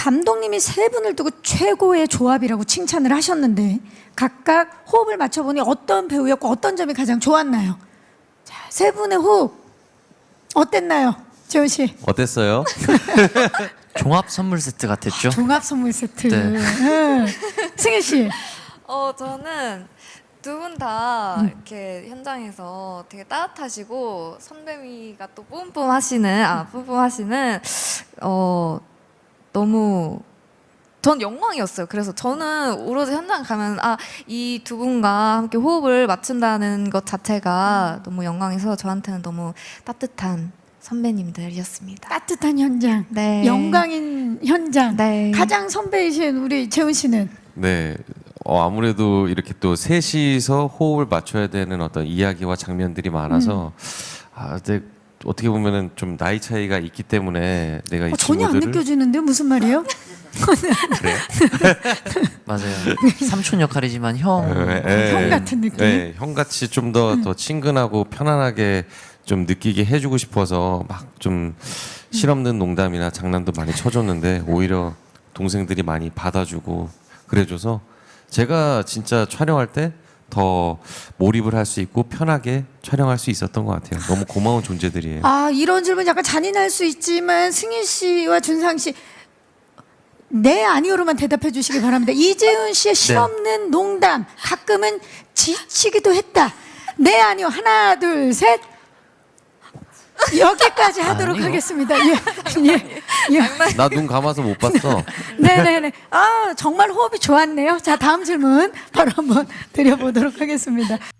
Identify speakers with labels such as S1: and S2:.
S1: 감독님이 세 분을 두고 최고의 조합이라고 칭찬을 하셨는데 각각 호흡을 맞춰보니 어떤 배우였고 어떤 점이 가장 좋았나요? 자, 세 분의 호흡 어땠나요? 재훈 씨.
S2: 어땠어요?
S3: 종합 선물 세트 같았죠?
S1: 종합 선물 세트.
S3: 네.
S1: 응. 승혜 씨.
S4: 저는 두 분 다 이렇게 현장에서 되게 따뜻하시고 선배미가 또 뿜뿜하시는 너무 전 영광이었어요. 그래서 저는 오로지 현장 가면 이 두 분과 함께 호흡을 맞춘다는 것 자체가 너무 영광이서 저한테는 너무 따뜻한 선배님들이었습니다.
S1: 따뜻한 현장.
S4: 네.
S1: 영광인 현장.
S4: 네.
S1: 가장 선배이신 우리 재훈 씨는.
S2: 네. 아무래도 이렇게 또 셋이서 호흡을 맞춰야 되는 어떤 이야기와 장면들이 많아서 근데 어떻게 보면은 좀 나이 차이가 있기 때문에 내가 이
S1: 전혀 안
S2: 친구들을
S1: 느껴지는데 무슨 말이에요?
S2: 그래요?
S3: 맞아요. 삼촌 역할이지만 형.
S1: 형 같은 느낌?
S2: 네, 형같이 좀 더 친근하고 편안하게 좀 느끼게 해주고 싶어서 막 좀 실없는 농담이나 장난도 많이 쳐줬는데 오히려 동생들이 많이 받아주고 그래줘서 제가 진짜 촬영할 때 더 몰입을 할 수 있고 편하게 촬영할 수 있었던 것 같아요. 너무 고마운 존재들이에요.
S1: 이런 질문 약간 잔인할 수 있지만 승희 씨와 준상 씨 네 아니오로만 대답해 주시기 바랍니다. 이재훈 씨의 실없는 농담 가끔은 지치기도 했다. 네 아니오 하나 둘 셋 여기까지 하도록
S3: 아니요.
S1: 하겠습니다. 예.
S2: 나 눈 감아서 못 봤어.
S1: 네네네. 정말 호흡이 좋았네요. 자 다음 질문 바로 한번 드려보도록 하겠습니다.